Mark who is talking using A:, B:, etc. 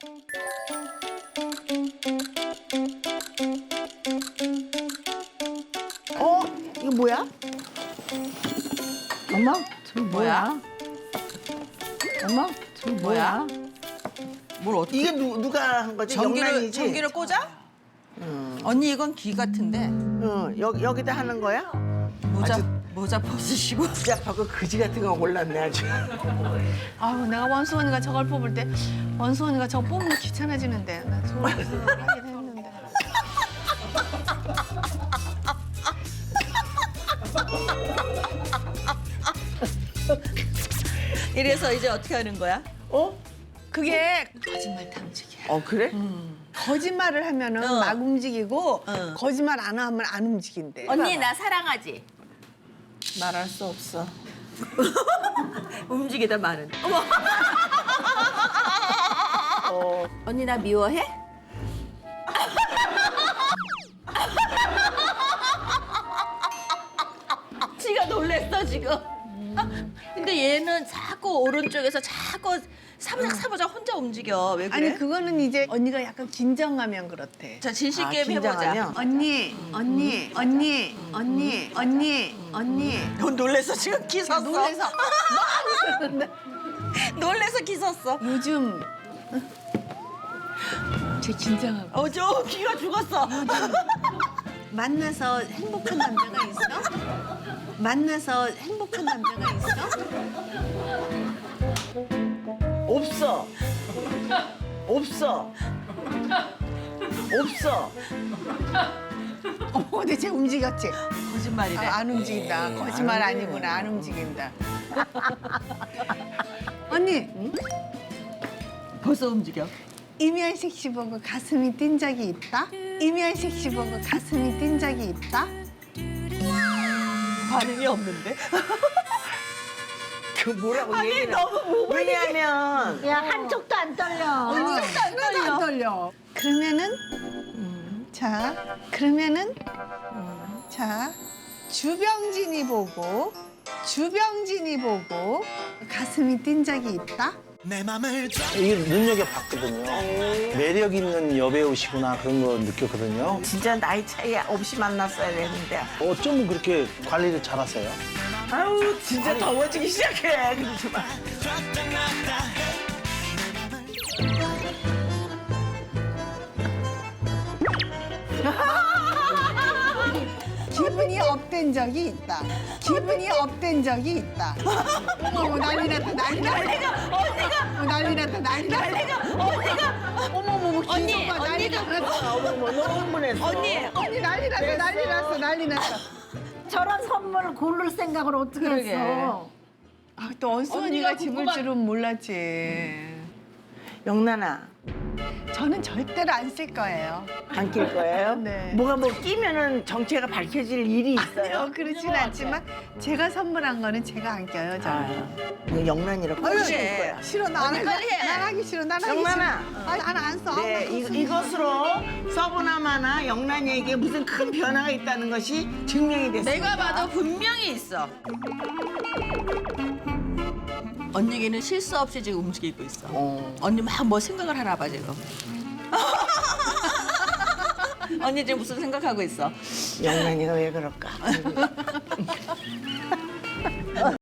A: 이거 뭐야?
B: 어머, 저 뭐야? 어머, 저 뭐야?
C: 뭘 어떻게?
A: 이게 누가 한 거지?
C: 전기를
A: 영란이지?
C: 전기를 꽂아? 언니 이건 귀 같은데
A: 응, 여기다 하는 거야?
C: 모자 벗으시고.
A: 시작하고 그지 같은 거 골랐네 아주.
B: 아우, 내가 원수 언니가 저걸 뽑을 때 원수 언니가 저거 뽑으면 귀찮아지는데. 나 저거 하긴 했는데.
C: 이래서 이제 어떻게 하는 거야?
B: 그게 거짓말 탐지기야.
A: 그래?
B: 거짓말을 하면은
C: 어.
B: 막 움직이고
C: 어.
B: 거짓말 안 하면 안 움직인대.
C: 언니 나 사랑하지?
A: 말할 수 없어.
C: 움직이다 마는. 어머. 언니 나 미워해? 지가 놀랬어 지금. 근데 얘는 자꾸 오른쪽에서 자꾸 사부작 혼자 움직여. 왜 그래?
B: 아니 그거는 이제 언니가 약간 긴장하면 그렇대.
C: 자 진실
A: 아,
C: 게임 해보자.
A: 긴장하면?
B: 언니.
C: 넌 놀래서 지금 기 섰어.
B: 놀래서
C: 놀래서 기 섰어.
B: 요즘 제 긴장하고
C: 저 귀가 죽었어.
B: 만나서 행복한 남자가 있어? 만나서 행복한 남자가 있어?
A: 없어. 없어. 없어.
B: 근데 쟤 움직였지?
C: 거짓말이래.
B: 안 움직인다. 거짓말 아니구나. 안 움직인다. 언니,
C: 벌써 움직여.
B: 이면식 씨 보고 가슴이 뛴 적이 있다? 이면식 씨 보고 가슴이 뛴 적이 있다?
C: 반응이 없는데?
A: 그 뭐라고 얘기를. 왜냐하면
D: 야, 한쪽도 안 떨려.
B: 하나도 안 떨려. 그러면은 자 주병진이 보고 가슴이 뛴 적이 있다?
E: 이게 눈여겨봤거든요. 매력 있는 여배우시구나 그런 거 느꼈거든요.
A: 진짜 나이 차이 없이 만났어야 되는데.
E: 어쩌면 그렇게 관리를 잘하세요?
A: 아우 진짜 더워지기 시작해. 그러지 마.
B: 기분이 업된 적이 있다. 기분이 업된 적이 있다. 어머 난리 났다 난리 났다. 난리 났다 난리 났다. 어머 기분가 난리 났어.
A: 어머 너무 흥분했어.
B: 언니 난리 났어 난리 났어 난리 났어.
D: 저런 선물을 고를 생각을 어떻게
C: 그러게.
D: 했어?
B: 또 언수 언니가 집을 줄은 몰랐지.
A: 영란아
B: 저는 절대로 안 쓸 거예요.
A: 안 낄 거예요?
B: 네.
A: 뭐가 뭐 끼면은 정체가 밝혀질 일이 있어요?
B: 그렇진 않지만 제가 선물한 거는 제가 안 껴요 저는.
A: 이거 영란이라고
C: 그래.
A: 낄 거야.
B: 싫어 난
C: 언니 빨리 해.
B: 하기 싫어 난 하기
A: 영란아.
B: 싫어. 난안 써.
A: 네, 이것으로 서브나마나 영란이에게 무슨 큰 변화가 있다는 것이 증명이 됐습니다.
C: 내가 봐도 분명히 있어. 언니기는 실수 없이 지금 움직이고 있어. 언니 막 뭐 생각을 하나 봐 지금. 언니 지금 무슨 생각하고 있어?
A: 영란이가 왜 그럴까?